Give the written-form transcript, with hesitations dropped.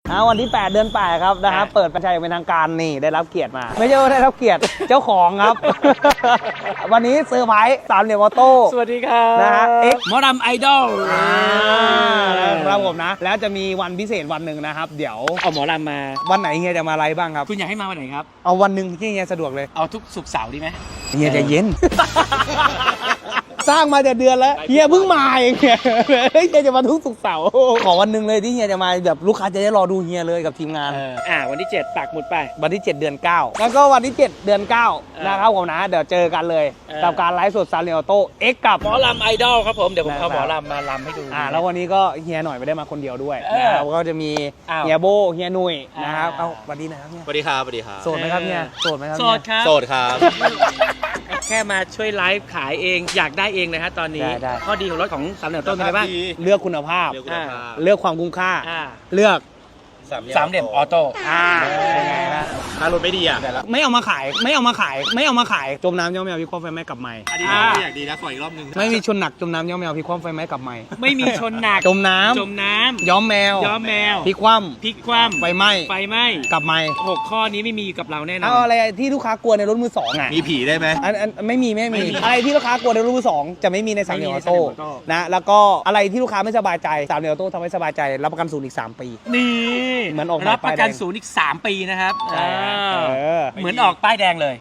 วันที่ 8 เดือน 8 ครับนะครับเปิดประชาอย่างเป็นทางการนี่ได้รับเกียรติมา ไม่ใช่ว่าได้รับเกียรติ เจ้าของครับ วันนี้เซอร์ไพรส์3เหลี่ยมออโต้สวัสดีครับนะฮะ X หมอดำไอดอลครับผมนะ แล้วจะมีวันพิเศษวันหนึ่งนะครับ เดี๋ยวเอาหมอดำมาวันไหนเฮียจะมาไลฟ์บ้างครับคุณอยากให้มาวันไหนครับเอาวันหนึ่งที่เฮียสะดวกเลยเอาทุกศุกร์เสาร์ดีไหมเฮียใจเย็น สร้างมาแต่เดือนแล้วเฮียเพิ่งมาเองเฮียจะมาทุกศุกร์เสาร์ขอวันหนึ่งเลยที่เฮียจะมาแบบลูกค้าจะได้รอดูเฮียเลยกับทีมงานวันที่ 7 ปักหมุดไปวันที่ 7 เดือน 9 แล้วก็วันที่ 7 เดือน 9 นะครับผมนะเดี๋ยวเจอกันเลยกับการไลฟ์สดซาเรียโต้ X กับหมอลำไอดอลครับผมเดี๋ยวผมเอาหมอลำมาลำให้ดูแล้ววันนี้ก็เฮียหน่อยไม่ได้มาคนเดียวด้วยเออนะครับก็จะมีอ้าวเฮียโบเฮียหนุ่ยนะครับอ่าสวัสดีนะครับเฮียสวัสดีครับ สวัสดีครับโสดไหมครับเฮียโสดไหมครับโสเฮียดครับโสดครับแค่มาช่วยไลฟ์ขายเองอยากได้เองนะฮะตอนนี้ได้ข้อดีของรถของสามเหลี่ยมต้นเป็นอะไรบ้างเลือกคุณภาพเรื่องคุณภาพเลือกความคุ้มค่าอ่าเลือกสามเหลี่ยมออโต้เป็นไงล่ะถ้ารถไม่ดีอ่ะไม่เอามาขายจมน้ำย่อมแมวพี่ความไฟไหม้กลับใหม่อันนี้อยากดีนะขออีกรอบนึงไม่มีชนหนักจมน้ำย่อมแมวพี่ความไฟไหม้กลับใหม่ไม่มีชนหนักจมน้จมน้ำย้อมแมวำย้อมแมวพี่คว่พลิกคว่ำไฟไหม้ำไฟไหม้กลับใหม่ 6 ข้อนี้ไม่มีกับเราแน่นอเอานอะไรที่ลูกค้ากลัวในรถมือสองอ่ะมีผีได้ไหมอันไม่มีอะไรที่ลูกค้ากลัวในรถมือสองจะไม่มีในสามเหลี่ยมออโต้ไม่มีในสามเหลี่ยมออโต้นะแล้วก็อะไรที่ลูกค้าไม่สบายใจสามเหลี่ยมออโต้ทำให้สบายใจรับประกันศูนย์อีก3 ปีนี่เหมือนออกมารับประกันป้ายแดงศูนย์อีก3 ปีนะครับใช่อ่าเออเหมือนออกป้ายแดงเลย